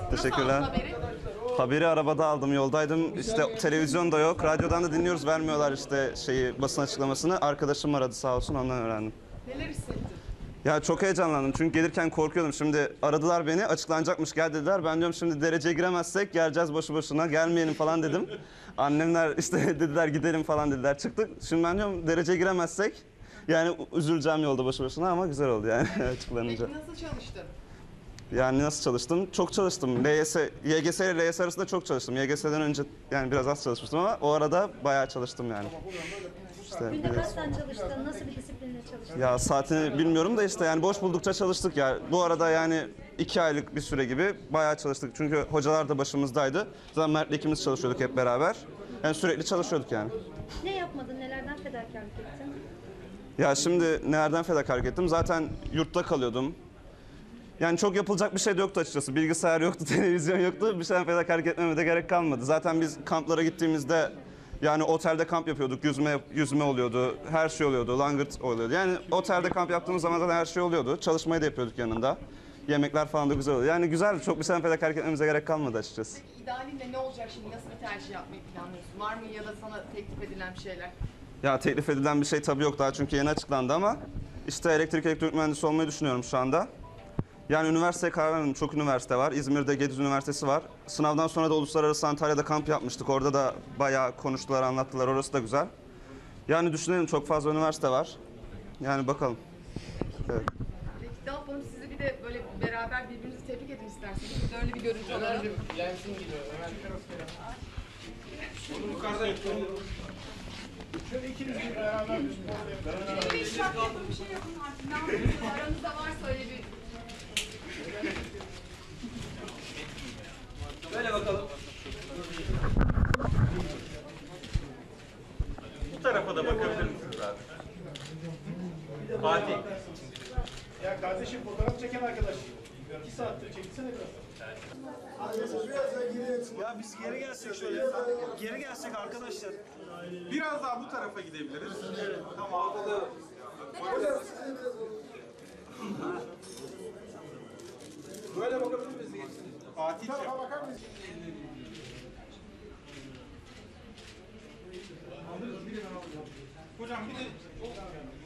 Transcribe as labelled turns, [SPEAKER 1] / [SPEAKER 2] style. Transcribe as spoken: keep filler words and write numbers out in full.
[SPEAKER 1] Teşekkürler. Haberi? Haberi arabada aldım, yoldaydım. İşte televizyon da yok, radyodan da dinliyoruz, vermiyorlar işte şeyi, basın açıklamasını. Arkadaşım aradı sağ olsun, ondan öğrendim.
[SPEAKER 2] Neler hissettin?
[SPEAKER 1] Ya çok heyecanlandım çünkü gelirken korkuyordum. Şimdi aradılar beni, açıklanacakmış, gel dediler. Ben diyorum şimdi dereceye giremezsek geleceğiz boşu boşuna, gelmeyelim falan dedim. Annemler işte dediler gidelim falan dediler, çıktık. Şimdi ben diyorum dereceye giremezsek yani üzüleceğim yolda boşu boşuna ama güzel oldu yani açıklanınca.
[SPEAKER 2] Peki nasıl çalıştın?
[SPEAKER 1] Yani nasıl çalıştım? Çok çalıştım. L Y S, Y G S ile L Y S arasında çok çalıştım. Y G S'den önce yani biraz az çalışmıştım ama o arada bayağı çalıştım yani. İşte
[SPEAKER 3] Günde kaç saat çalıştın? Nasıl bir disiplinle çalıştın?
[SPEAKER 1] ya saatini bilmiyorum da işte yani boş buldukça çalıştık ya. Bu arada yani iki aylık bir süre gibi bayağı çalıştık. Çünkü hocalar da başımızdaydı. Zaten Mert'le ikimiz çalışıyorduk hep beraber. Yani sürekli çalışıyorduk yani.
[SPEAKER 3] Ne yapmadın? Nelerden fedakarlık ettin?
[SPEAKER 1] Ya şimdi nereden fedakarlık ettim? Zaten yurtta kalıyordum. Yani çok yapılacak bir şey de yoktu açıkçası. Bilgisayar yoktu, televizyon yoktu. Bir şeyden fedakarlık etmeme de gerek kalmadı. Zaten biz kamplara gittiğimizde yani otelde kamp yapıyorduk. Yüzme yüzme oluyordu, her şey oluyordu, langırt oluyordu. Yani otelde kamp yaptığımız zaman zaten her şey oluyordu. Çalışmayı da yapıyorduk yanında. Yemekler falan da güzel oluyordu. Yani güzel, çok bir şeyden fedakarlık etmemize gerek kalmadı açıkçası.
[SPEAKER 2] Peki idealinde ne olacak şimdi? Nasıl bir tercih yapmayı planlıyorsun? Var mı ya da sana teklif edilen bir şeyler?
[SPEAKER 1] Ya teklif edilen bir şey tabii yok daha çünkü yeni açıklandı ama işte elektrik elektronik mühendisi olmayı düşünüyorum şu anda. Yani üniversiteye karar vermedim. Çok üniversite var. İzmir'de Gediz Üniversitesi var. Sınavdan sonra da Uluslararası Antalya'da kamp yapmıştık. Orada da bayağı konuştular, anlattılar. Orası da güzel. Yani düşünelim çok fazla üniversite var. Yani bakalım. Evet.
[SPEAKER 2] Peki ne yapalım? Sizi bir de böyle beraber birbirinizi tebrik edin isterseniz. Biz de öyle bir görüntü alalım.
[SPEAKER 4] Lensin geliyor. Hemen yukarıda yapalım. Şöyle ikiniz bir beraber bir spor yapalım.
[SPEAKER 2] Bir iş yapın, bir şey yapın artık. Ne yapıyorsunuz? Aranızda varsa öyle bir...
[SPEAKER 4] Böyle bakalım. Bu tarafa da bakabilir misiniz abi? Fatih.
[SPEAKER 5] Ya kardeşim fotoğraf çeken arkadaş. İki saattir çekilsene biraz.
[SPEAKER 6] Ya biz geri gelsek şöyle. Geri gelsek arkadaşlar.
[SPEAKER 4] Biraz daha bu tarafa gidebiliriz. Tamam. Böyle bakabilir miyiz? Fatih'ciğim. Hocam bir de